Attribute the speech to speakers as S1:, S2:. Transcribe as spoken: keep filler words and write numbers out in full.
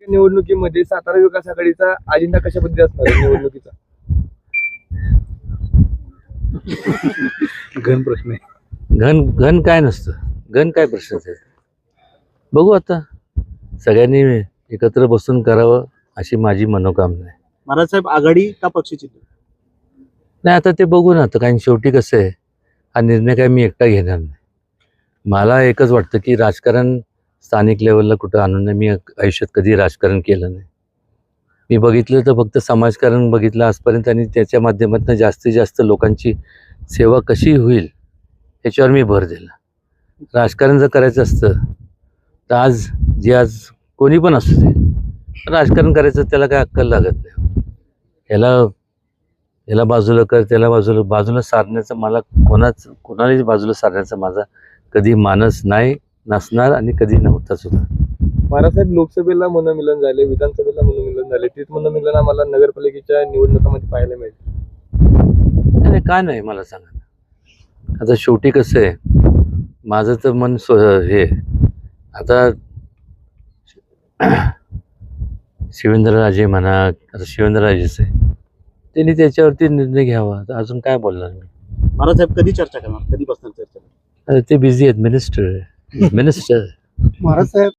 S1: निवडणुकीमध्ये सातारा विकास आघाडीचा अजेंडा कशा पद्धतीचा असणार आहे निवडणुकीचा?
S2: घन प्रश्न आहे.
S3: घन घन काय नसतं, घन काय प्रश्नच आहे. बघू आता, सगळ्यांनी एकत्र बसून करावं अशी माझी मनोकामना आहे.
S2: महाराज साहेब, आघाडी का पक्षचिन्ह?
S3: नाही, आता ते बघू ना. आता कारण शेवटी कसं आहे, हा निर्णय काय मी एकटा घेणार नाही. मला एकच वाटतं की राजकारण स्थानिक लेवलला कुठं आणून नाही. मी आयुष्यात कधी राजकारण केलं नाही. मी बघितलं तर फक्त समाजकारण बघितलं आजपर्यंत, आणि त्याच्या माध्यमातून जास्तीत जास्त लोकांची सेवा कशी होईल याच्यावर मी भर दिला. राजकारण जर करायचं असतं तर आज जे आज कोणी पण असू दे, राजकारण करायचं त्याला काय अक्कल लागत नाही. ह्याला ह्याला बाजूला कर, त्याला बाजूला बाजूला सारण्याचं मला कोणाच कोणालाही बाजूला सारण्याचा माझा कधी मानस नाही, नसणार आणि कधी नव्हता सुद्धा.
S1: महाराजसाहेब, लोकसभेला मनोमिलन झाले, विधानसभेला मनोमिलन झाले, तेच मनोमिलन आम्हाला नगरपालिकेच्या निवडणुकांमध्ये पाहायला मिळेल.
S3: नाही, काय नाही मला सांगा. आता शेवटी कसं आहे, माझं तर मन स्व हे आता शिवेंद्रराजे म्हणा, आता शिवेंद्रराजेच आहे, त्यांनी त्याच्यावरती निर्णय घ्यावा. आता अजून काय बोलणार मी.
S2: महाराज साहेब, कधी चर्चा करणार, कधी बसणार चर्चा?
S3: अरे ते बिझी आहेत, मिनिस्टर मिनिस्टर
S2: महाराज साहेब